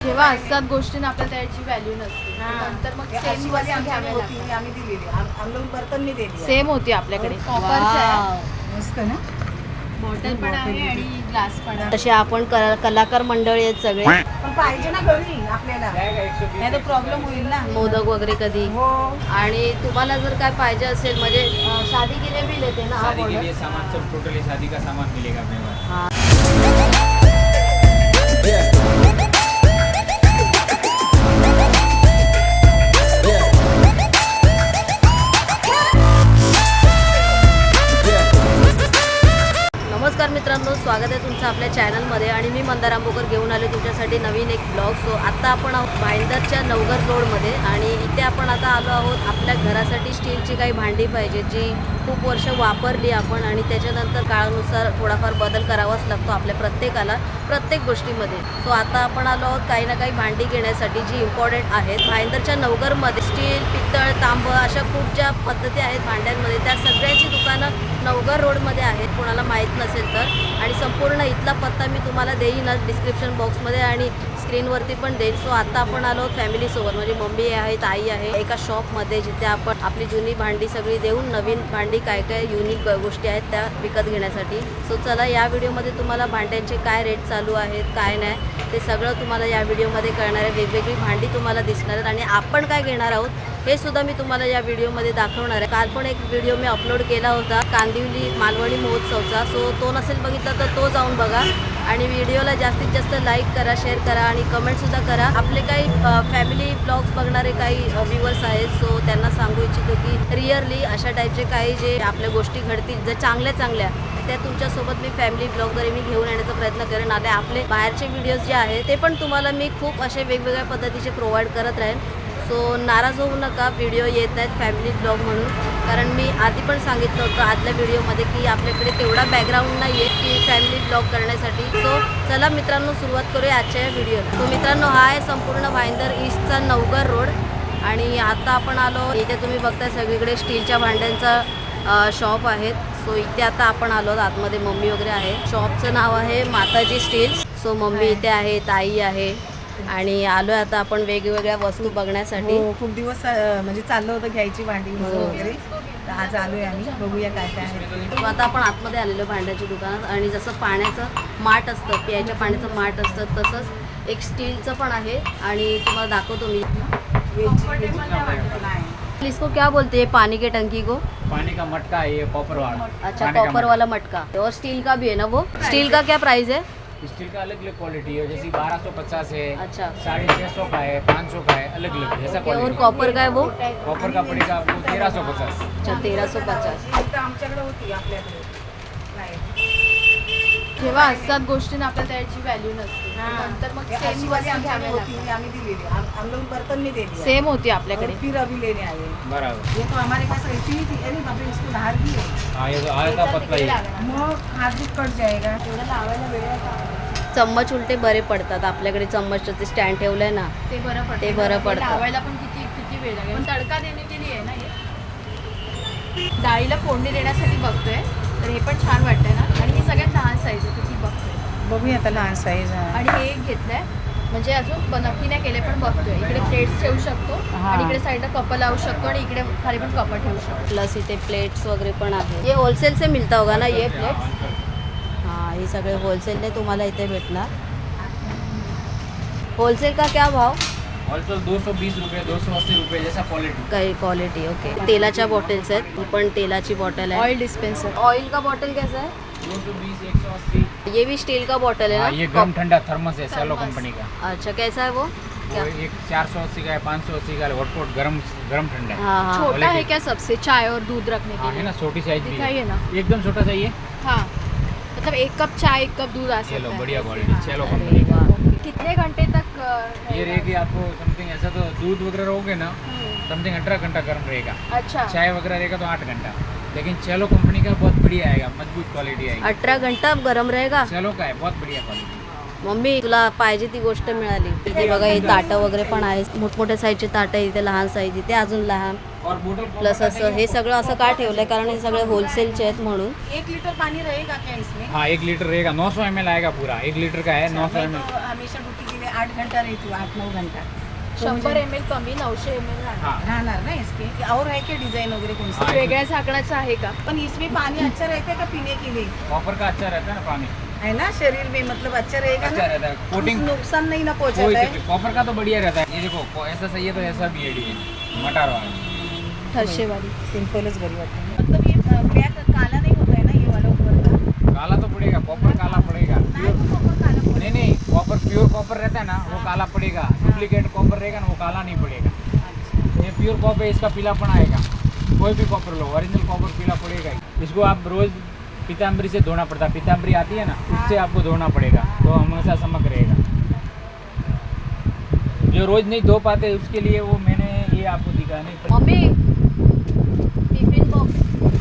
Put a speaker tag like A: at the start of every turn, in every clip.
A: जेव्हा असतात गोष्टींना आपल्याला त्याची व्हॅल्यू नसते, नंतर मग सेम वस्तू घ्यावी लागते.
B: आम्ही दिलेली हम लोग बर्तन नहीं दिली
A: सेम होती आपल्याकडे. कॉपरचं आहे,
B: मस्त ना.
A: बॉटल पण आहे आणि ग्लास पण आहे.
C: तसे आपण कलाकार मंडळी आहेत सगळे.
B: पण पाहिजे ना घरी आपल्याला, नाही तर प्रॉब्लेम होईल ना.
C: मोदक वगैरे कधी.
B: हो.
C: आणि तुम्हाला जर काय पाहिजे असेल म्हणजे शादी के लिए भी लेते ना.
D: शादी के लिए सामान सब टोटली शादी का सामान मिलेगा अपने पास.
C: हाँ. नमस्कार मित्रांनो, स्वागत आहे तुमचं आपल्या चॅनलमध्ये. आणि मी मंदार आंबोकर घेऊन आले तुमच्यासाठी नवीन एक ब्लॉग. सो आता आपण आहोत भाईंदरच्या नवघर रोडमध्ये आणि इथे आपण आता आलो आहोत आपल्या घरासाठी स्टीलची काही भांडी पाहिजे जी खूप वर्ष वापरली आपण, आणि त्याच्यानंतर काळानुसार थोडाफार बदल करावाच लागतो आपल्या प्रत्येकाला प्रत्येक गोष्टीमध्ये. सो आता आपण आलो आहोत काही ना काही भांडी घेण्यासाठी जी इम्पॉर्टंट आहेत. भाईंदरच्या नवघरमध्ये स्टील, पितळ, तांब अशा खूप ज्या पद्धती आहेत भांड्यांमध्ये, त्या सगळ्याची दुकानं नवघर रोडमध्ये आहेत कोणाला माहीत नसेल तर. आणि संपूर्ण इथला पत्ता मी तुम्हाला देईनच डिस्क्रिप्शन बॉक्समध्ये आणि स्क्रीनवरती पण देईल. सो आता आपण आलो फॅमिलीसोबत, म्हणजे मम्मी आहे, ताई आहे, एका शॉपमध्ये जिथे आपण आपली जुनी भांडी सगळी देऊन नवीन भांडी काय काय युनिक गोष्टी आहेत त्या विकत घेण्यासाठी. सो चला, या व्हिडिओमध्ये तुम्हाला भांड्यांचे काय रेट चालू आहेत काय नाही ते सगळं तुम्हाला या व्हिडिओमध्ये कळणार आहे. वेगवेगळी भांडी तुम्हाला दिसणार आहेत आणि आपण काय घेणार आहोत हे सुद्धा मी तुम्हाला या व्हिडिओमध्ये दाखवणार आहे. काल पण एक व्हिडिओ मी अपलोड केला होता कांदिवली मालवणी महोत्सवचा. सो तो नसेल बघितला तर तो जाऊन बघा. आणि व्हिडिओला जास्तीत जास्त लाईक करा, शेअर करा आणि कमेंटसुद्धा करा. आपले काही फॅमिली ब्लॉग्स बघणारे काही व्ह्यूवर्स आहेत, सो त्यांना सांगू इच्छितो की रिअरली अशा टाईपचे काही जे आपल्या गोष्टी घडतील ज्या चांगल्या चांगल्या त्या तुमच्यासोबत मी फॅमिली ब्लॉगद्वारे मी घेऊन येण्याचा प्रयत्न करेन. आता आपले बाहेरचे व्हिडिओज जे आहेत ते पण तुम्हाला मी खूप असे वेगवेगळ्या पद्धतीचे प्रोव्हाइड करत राहीन. सो नाराज होऊ नका, व्हिडिओ येत नाहीत फॅमिली ब्लॉग म्हणून, कारण मी आधी पण सांगितलं होतं आदल्या व्हिडिओमध्ये की आपल्याकडे तेवढा बॅकग्राऊंड नाही आहे की फॅमिली ब्लॉग करण्यासाठी. सो चला मित्रांनो, सुरुवात करूया आजच्या या व्हिडिओला. सो मित्रांनो, हा आहे संपूर्ण भाईंदर ईस्टचा नवघर रोड. आणि आता आपण आलो इथे, तुम्ही बघताय सगळीकडे स्टीलच्या भांड्यांचा शॉप आहेत. सो इथे आता आपण आलो, आतमध्ये मम्मी वगैरे आहे. शॉपचं नाव आहे माताजी स्टील्स. सो मम्मी इथे आहे, ताई आहे आणि आलोय आता आपण वेगवेगळ्या वस्तू बघण्यासाठी.
B: हो, खूप दिवस म्हणजे चाललं होतं घ्यायची भांडी वगैरे, तर आज आलोय आम्ही. बघूया काय काय आहे.
C: सो आता आपण आतमध्ये आलेलो भांड्याच्या दुकानात. आणि जसं पाण्याचं माठ असतं, प्यायच्या पाण्याचं माठ असतं, तसंच एक स्टीलचं पण आहे आणि तुम्हाला दाखवतो मी. इसको क्या बोलते हैं पानी के टंकी को?
D: पानी का मटका है ये, कॉपर वाला.
C: अच्छा, कॉपर वाला मटका. और स्टील का भी है ना वो? स्टील का क्या प्राइस है?
D: स्टील का अलग अलग क्वालिटी है, जैसे 1250 है,
C: अच्छा.
D: 650 का है, 500 का है, अलग अलग है ऐसा
C: और
D: क्वालिटी.
C: कॉपर का है वो?
D: कॉपर का पड़ेगा आपको 1350.
C: अच्छा, 1350.
B: फक्त आमच्याकडे होती, आपल्याकडे नाही.
A: जेव्हा असतात गोष्टींना आपल्याला त्याची व्हॅल्यू नसते, नंतर मग सेम
B: अशी वाली
A: वस्तू घ्यावी
B: आमच्याकडे होती,
A: लागते.
B: आम्ही दिलेली. हम लोग बर्तन नहीं दे दिया.
A: सेम होती आपल्याकडे.
B: फिर अभी लेने आए.
D: बराबर.
B: ये तो हमारे पास ऐसी ही थी. अरे बाप रे, इसको धार भी है.
D: हाँ, ये तो आया था पतला ही.
B: मग हात भी कट जाएगा.
A: एवढं लावायला वेळ आहे का?
C: चम्मच उलटे बरे पडतात. आपल्याकडे चम्मचचं ते स्टँड ठेवलंय ना,
A: ते बरं पडतं.
C: ते बरं पडतं.
A: लावायला पण किती किती वेळ लागेल. पण तडका देणे केली आहे ना हे. डाळीला फोडणी देण्यासाठी बघतोय, तर हे पण छान वाटतंय ना. आणि ही सगळ्यात लहान साईज आहे, ती बघतोय.
B: बघूया आता लहान साईज.
A: आणि हे एक घेतलंय, म्हणजे अजून नक्की नाही केले पण बघतोय. इकडे प्लेट्स ठेवू शकतो आणि इकडे साईडला कप लावू शकतो आणि इकडे खाली पण कप ठेवू शकतो.
C: प्लस इथे प्लेट्स वगैरे पण आहे. ये होलसेल से मिळता होगा ना ये प्लेट्स? हाँ, हे सगळे होलसेलने तुम्हाला इथे भेटणार. होलसेल का क्या भाव?
D: ऑल्सो 220 रुपये, 280 रुपये जैसा क्वालिटी.
C: काही क्वालिटी. ओके. तेलाच्या बॉटल्स आहेत, ही पण तेलाची बॉटल आहे.
A: Oil dispenser.
C: ऑयल का बॉटल कैसा है?
D: 220, 180.
C: ये भी स्टील का बॉटल है
D: हाँ,
C: ना?
D: ये गर्म ठंडा थर्मस है सेलो कंपनी का.
C: अच्छा, कैसा है वो? क्या?
D: वो एक 480 का है, 580 का है, हॉटपॉट गरम ठंडा है.
C: हाँ हाँ.
A: छोटा है क्या सबसे, चाय और दूध रखने
D: हाँ,
A: के
D: है
A: लिए?
D: ना, छोटी साइज भी
A: दिखाइए
D: है.
A: ना.
D: एकदम छोटा चाहिए.
A: हाँ, मतलब 1 कप चाय 1 कप दूध आ
D: चलो,
A: सकता है.
D: बढ़िया क्वालिटी, चलो
C: अरे
D: कंपनी का.
C: वाह.
A: कितने घंटे तक
D: ये रहेगी आपको समथिंग, ऐसा तो दूध वगैरह रहोगे ना समथिंग 18 घंटा गर्म रहेगा.
A: अच्छा.
D: चाय वगैरह रहेगा तो 8 घंटा. लेकिन चलो कंपनी का बहुत बढ़िया आएगा, मजबूत क्वालिटी आएगी.
C: 18 घंटा गरम रहेगा.
D: चलो का है बहुत बढ़िया क्वालिटी.
C: मम्मी, तुला पाहिजे ती गोष्ट मिळाली. इथे बघा, हे ताटं वगैरे पण आहे. मोठमोठ्या साईजचे ताटं, इथे लहान साईज, इथे अजून लहान.
D: और बोतल
C: प्लस असं हे सगळं असं का ठेवलंय, कारण हे सगळे होलसेलचे आहेत म्हणून.
B: 1 लीटर पानी रहेगा क्या इसमें?
D: हाँ, 1 लीटर रहेगा, 900 ml आएगा पूरा. 1 लीटर का है, 900
B: मैं
D: ml.
B: तो हमेशा ड्यूटी के लिए 8 घंटा रहती हूँ, 8-9 घंटा। तो
A: 100
B: मुझे
A: ml कमी 900 ml राहणार.
D: हाँ
B: रहना ना इसके और है क्या डिजाइन वगैरह कौन सा?
D: हाँ,
A: वेगळ्या झाकणाचं आहे का?
B: पर इसमें पानी अच्छा रहता है का पीने के लिए?
D: कॉपर का अच्छा रहता है ना पानी,
B: है ना शरीर में मतलब अच्छा रहेगा
D: अच्छा
B: ना?
D: रहता है
B: कुछ
D: कोटिंग।
B: नुकसान नहीं ना
D: कोई
B: पहुंचाता है?
D: कॉपर का तो बढ़िया रहता है। ये देखो ऐसा सही है तो ऐसा भी है डिजाइन मटार वाला।
A: ठरशेवाली.
B: सिंपलच बरी वाटते. मतलब ये ब्लॅक काला नहीं होता है ना ये वाला ऊपर का?
D: काला तो पड़ेगा, कॉपर काला पड़ेगा।
B: नहीं वो कॉपर काला पड़ेगा.
D: नहीं नहीं, कॉपर प्योर कॉपर रहता है ना वो काला पड़ेगा, डुप्लीकेट कॉपर रहेगा ना वो काला नहीं पड़ेगा। ये प्योर कॉपर है, इसका पीलापन आएगा। कोई भी कॉपर लो, ओरिजिनल कॉपर पीला पड़ेगा ही। इसको आप रोज पीताम्बरी से धोना पड़ता है, पीताम्बरी आती है ना उससे आपको धोना पड़ेगा तो हमेशा चमक रहेगा। जो रोज नहीं धो पाते उसके लिए वो मैंने ये आपको दिखा नहीं।
C: मम्मी टिफिन बॉक्स,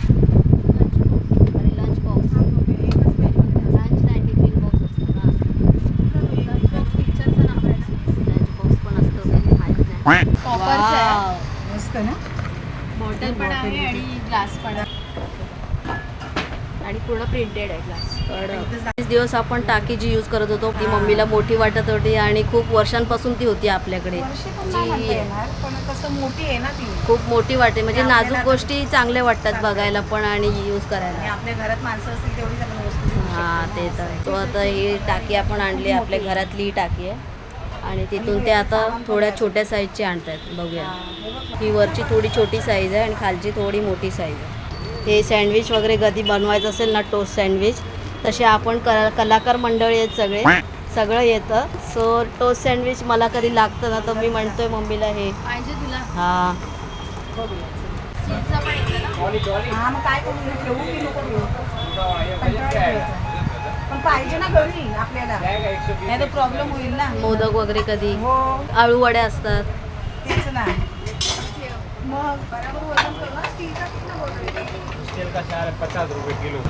C: अरे लंच बॉक्स, लंच नाही टिफिन बॉक्स असतो ना. लंच बॉक्स पिक्चरचं नाव आहे. लंच बॉक्स पण असतो काही माहित नाही.
A: कॉपरचं आहे.
C: वाव.
B: मस्त ना?
A: बॉटल पण आहे आणि ग्लास पण आहे. आणि पूर्ण प्रिंटेड आहे ग्लास.
C: बरेच दिवस आपण टाकी जी यूज करत होतो ती मम्मीला मोठी वाटत होती आणि खूप वर्षांपासून ती होती आपल्याकडे.
B: वर्षे पण नाही म्हणता
C: जी
B: येणार, पण कसं मोठी आहे ना ती.
C: खूप मोठी वाटते म्हणजे
B: आपल्याला
C: नाजूक गोष्टी चांगल्या वाटतात बघायला पण आणि यूज
B: आणि
C: करायला.
B: आपल्या घरात माणसं असतील तेवढी आपण वस्तू घेऊ शकतो.
C: हा ते तर. तो आता ही टाकी आपण आणली, आपल्या घरातली ही टाकी आहे आणि तिथून ते आता थोड्या छोट्या साईजची आणतात. बघूया, ही वरची थोडी छोटी साईज आहे आणि खालची थोडी मोठी साईज आहे. हे सँडविच वगैरे कधी बनवायचं असेल ना, टोस्ट सँडविच, तसे आपण कलाकार मंडळी आहेत सगळे, सगळं येतं. सो टोस्ट सँडविच मला कधी लागतं ना तर मी म्हणतोय मम्मीला हे.
A: पाहिजे तुला?
C: हा
A: चीजचा पण येतं ना?
D: डॉली डॉली
B: हा मग काय करू, ठेवू की नको ठेवू?
D: ये बजट क्या है?
B: पण पाहिजे ना घरी आपल्याला,
D: जाएगा 120
B: नाही तर प्रॉब्लेम होईल ना.
C: मोदक वगैरे कधी,
B: हो
C: आळू वड्या असतात.
B: तेच ना. मग बरोबर वजन करू ना. स्टीलचा किती बोलतोय?
D: स्टील का 50 रुपये किलो।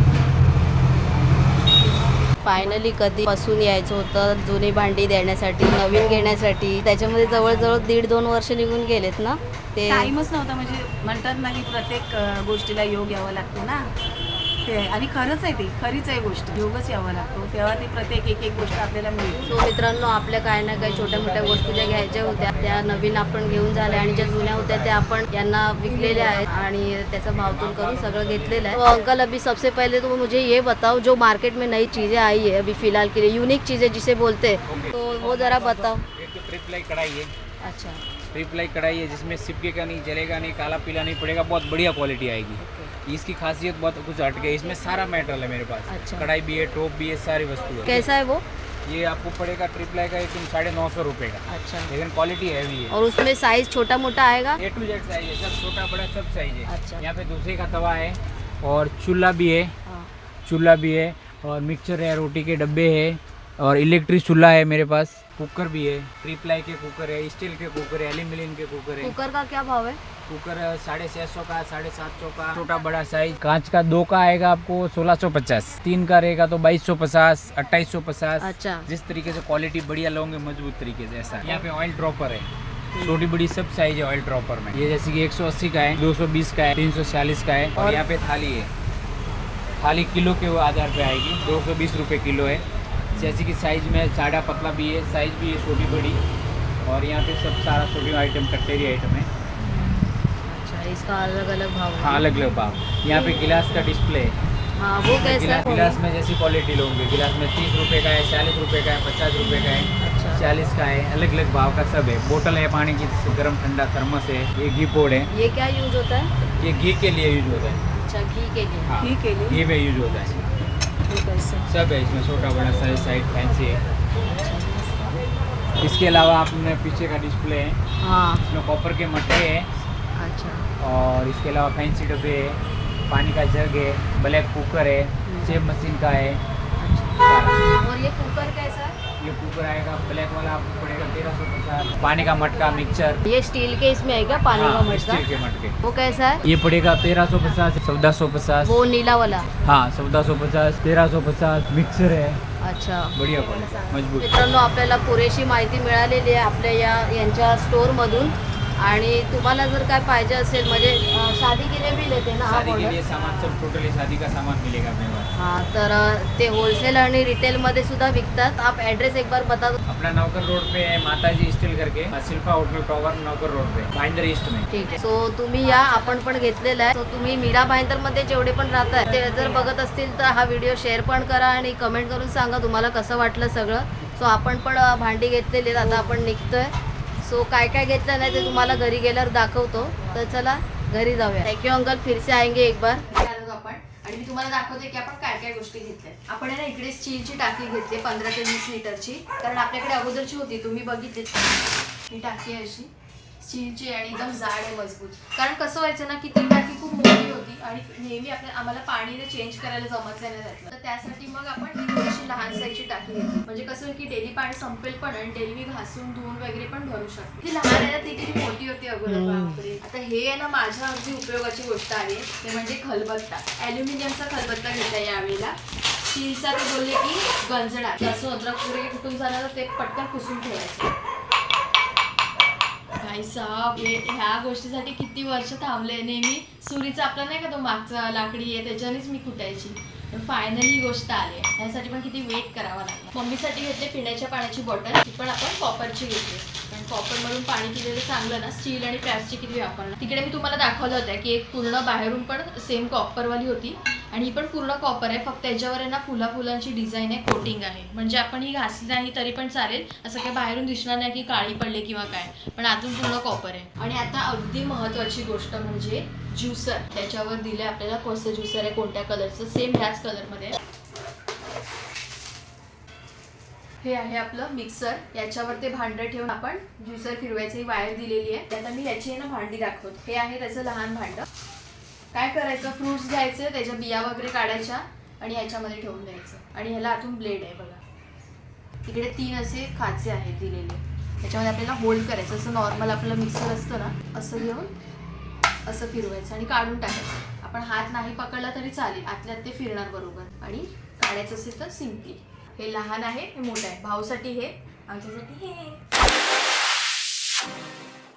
C: फायनली कधीपासून यायचं होतं जुनी भांडी देण्यासाठी, नवीन घेण्यासाठी. त्याच्यामध्ये जवळजवळ 1.5-2 वर्ष निघून गेलेत ना ते.
B: टाईमच नव्हता. म्हणजे म्हणतात ना की प्रत्येक गोष्टीला योग यावा लागतो ना ते. आणि खरंच आहे, ती खरीच आहे गोष्ट. योगच यावा लागतो तेव्हा ती प्रत्येक एक गोष्ट आपल्याला मिळते.
C: सो मित्रांनो, आपल्या काही ना काही छोट्या मोठ्या वस्तू ज्या घ्यायच्या होत्या त्या नवीन आपण घेऊन झाल्या आणि ज्या जुन्या होत्या त्या आपण यांना विकलेल्या आहेत आणि त्याचा भावतोल करून सगळं घेतलेलं है. तो अंकल, अभी सबसे पहले तो मुझे ये बताओ, जो मार्केट में नई चीज़ें आई है अभी फिलहाल के लिए, यूनिक चीज़ें जिसे बोलते हैं, तो वो ज़रा बताओ.
D: एक तो ट्रिपल कढ़ाई है,
C: अच्छा,
D: ट्रिपल कढ़ाई है जिसमें चिपकेगा नहीं, जलेगा नहीं, काला पीला नहीं पड़ेगा, बहुत बढ़िया क्वालिटी आएगी। इसकी खासियत बहुत कुछ हट गई, इसमें सारा मेटेरियल है मेरे पास।
C: अच्छा।
D: कढ़ाई भी है, टोप भी है, सारी वस्तु है।
C: कैसा है वो?
D: ये आपको पड़ेगा ट्रिपल का 950 रुपये का,
C: अच्छा,
D: लेकिन क्वालिटी हैवी है।
C: और उसमें साइज छोटा मोटा आएगा?
D: A to Z साइज है, सब छोटा बड़ा सब साइज है।
C: अच्छा।
D: यहाँ पे दूसरे का तवा है और चूल्हा भी है,
C: हाँ.
D: चूल्हा भी है और मिक्सचर है, रोटी के डब्बे है और इलेक्ट्रिक चूल्हा है मेरे पास। कुकर भी है, ट्रिपलाई के कुकर है, स्टील के कुकर है, एल्यूमिनियम के कुकर है।
C: कुकर का क्या भाव है?
D: कुकर 650 का, 750 का, छोटा बड़ा साइज। कांच का 2 का आएगा आपको 1650, 3 का रहेगा तो 2250, 2850।
C: अच्छा,
D: जिस तरीके से क्वालिटी बढ़िया लोगे मजबूत तरीके से ऐसा। यहाँ पे ऑयल ड्रॉपर है, छोटी बड़ी सब साइज है ऑयल ड्रॉपर में। ये जैसे कि 180 का है, 220 का है, 340 का है। और यहाँ पे थाली है, थाली किलो के आधार पे आएगी, 220 रुपये किलो है। जैसे कि साइज में साड़ा पतला भी है, साइज भी है छोटी बड़ी। और यहाँ पे सब सारा छोटी आइटम कटलेरी आइटम है।
C: अच्छा, इसका अलग अलग भाव है?
D: हाँ, अलग अलग भाव। यहाँ पे गिलास का डिस्प्ले है।
C: हाँ, वो कैसा है?
D: गिलास में जैसी क्वालिटी लोगे, गिलास में 30 रुपये का है, 40 रुपये का है, 50 रुपये का है,
C: अच्छा,
D: 40 का है, अलग अलग भाव का सब है। बोतल है पानी की, गर्म ठंडा थर्मस है। ये घी पोड है,
C: ये क्या यूज होता है?
D: ये घी के लिए यूज होता है।
C: अच्छा, घी के लिए।
D: हाँ,
B: घी के लिए?
D: घी में यूज होता है।
B: ठीक आहे सर.
D: सब है इसमें, छोटा बड़ा साइज साइड फैंसी है। इसके अलावा आपने पीछे का डिस्प्ले है,
C: हाँ,
D: इसमें कॉपर के मटके हैं
C: अच्छा,
D: और इसके अलावा फैंसी डब्बे है, पानी का जग है, ब्लैक कुकर है, सेब मशीन का है सारा।
C: और ये कुकर कैसा है?
D: ये कुकर आएगा ब्लैक वाला आपको पड़ेगा 1350। पानी का मटका मिक्सचर,
C: ये स्टील के इसमें है क्या पानी का
D: हाँ,
C: मटका?
D: स्टील के मटके।
C: वो कैसा है?
D: ये पड़ेगा 1350, 1450।
C: वो नीला वाला?
D: हाँ, 1450, 1350। मिक्सर है,
C: अच्छा.
D: बढ़िया क्वालिटी, मजबूत।
C: मित्रांनो, आपल्याला पुरेशी माहिती मिळालेली आहे आपल्या यांच्या स्टोअरमधून. आणि तुम्हाला जर काय पाहिजे असेल म्हणजे शादी के लिए भी लेते ना
D: शादी के
C: ऑर्डर?
D: लिए सामान सब टोटली शादी का सामान मिलेगा अपने पास।
C: हाँ, तर ते होलसेल आणि रिटेलमध्ये सुद्धा विकतात. आप ॲड्रेस एक बार बता दो.
D: अपना नौकर रोड पे है माताजी स्टील करके, शिल्पा होटल टॉवर नौकर रोड पे, भाईंदर ईस्ट में.
C: ठीक आहे. सो तुम्ही या, आपण पण घेतलेला आहे. सो तुम्ही मीरा भाईंदरमध्ये जेवढे पण राहताय ते जर बघत असतील तर हा व्हिडिओ शेअर पण करा आणि कमेंट करून सांगा तुम्हाला कसं वाटलं सगळं. सो आपण पण भांडी घेतलेली आहेत, आता आपण निघतोय. सो काय काय घेतलं नाही ते तुम्हाला घरी गेल्यावर दाखवतो. तर चला घरी जाऊया. थँक्यू अंकल, फिर से आएंगे एक बार.
A: आलो आपण आणि मी तुम्हाला दाखवते की आपण काय काय गोष्टी घेतल्या. आपण आहे ना इकडे स्टीलची टाकी घेतली 15 ते 20 लिटरची, कारण आपल्याकडे अगोदरची होती तुम्ही बघितली. ही टाकी आहे अशी स्टीलची आणि एकदम जाड आहे, मजबूत. कारण कसं व्हायचं ना की ती टाकी खूप मोठी होती आणि नेहमी आम्हाला पाणी चेंज करायला जमत नाही त्यातलं, तर त्यासाठी मग आपण ही थोडीशी लहान साईजची टाकी घेतली. म्हणजे कसं की डेली पाणी संपेल पण आणि डेली मी घासून धुवून वगैरे पण भरू शकते. ती लहान आहे ना, ती किती मोठी होती अगोदर बापरे. आता हे आहे ना माझ्या अगदी उपयोगाची गोष्ट आहे, ते म्हणजे खलबत्ता. ॲल्युमिनियमचा खलबत्ता घेतला यावेळेला. स्टीलचा ते बोलले की गंजणार, लसूण अद्रक पुरे कुठून झालं तर ते पटकन पुसून ठेवायचं. भाई साहब, ह्या गोष्टीसाठी किती वर्ष थांबले. नेहमी सुरीचा आपला नाही का तो मागचा लाकडी आहे त्याच्यानेच मी कुटायची, पण फायनली ही गोष्ट आली आहे. ह्यासाठी पण किती वेट करावा लागला. मम्मीसाठी घेतले पिण्याच्या पाण्याची बॉटल, ती पण आपण कॉपरची घेतली. पण कॉपरमधून पाणी पिलेलं चांगलं ना, स्टील आणि प्लास्टिक किती वापरणार. तिकडे मी तुम्हाला दाखवलं होतं की एक पूर्ण बाहेरून पण सेम कॉपरवाली होती आणि ही पण पूर्ण कॉपर आहे, फक्त याच्यावर आहे ना फुलांची डिझाईन आहे, कोटिंग आहे. म्हणजे आपण ही घासली नाही तरी पण चालेल, असं काही बाहेरून दिसणार नाही की काळी पडले किंवा काय, पण आतून पूर्ण कॉपर आहे. आणि आता अगदी महत्त्वाची गोष्ट म्हणजे ज्युसर. त्याच्यावर दिलं आपल्याला कसं ज्युसर आहे, कोणत्या कलरचं, सेम ह्याच कलरमध्ये. हे आहे आपलं मिक्सर, याच्यावर ते भांडं ठेवून आपण ज्युसर फिरवायचं. ही वायर दिलेली आहे. आता मी याची ना भांडी दाखवते. हे आहे त्याचं लहान भांडं. काय करायचं, फ्रुट्स घ्यायचे, त्याच्या बिया वगैरे काढायच्या आणि याच्यामध्ये ठेवून द्यायचं. आणि ह्याला आतून ब्लेड आहे बघा, इकडे 3 असे खाचे आहेत दिलेले. त्याच्यामध्ये आपल्याला होल्ड करायचं, असं नॉर्मल आपलं मिक्सर असतं ना, असं घेऊन असं फिरवायचं आणि काढून टाकायचं. आपण हात नाही पकडला तरी चालेल, आतल्यात ते फिरणार बरोबर. आणि काढायचं असेल तर सिम्पली. हे लहान आहे, हे मोठं आहे. भाऊसाठी हे, आमच्यासाठी हे.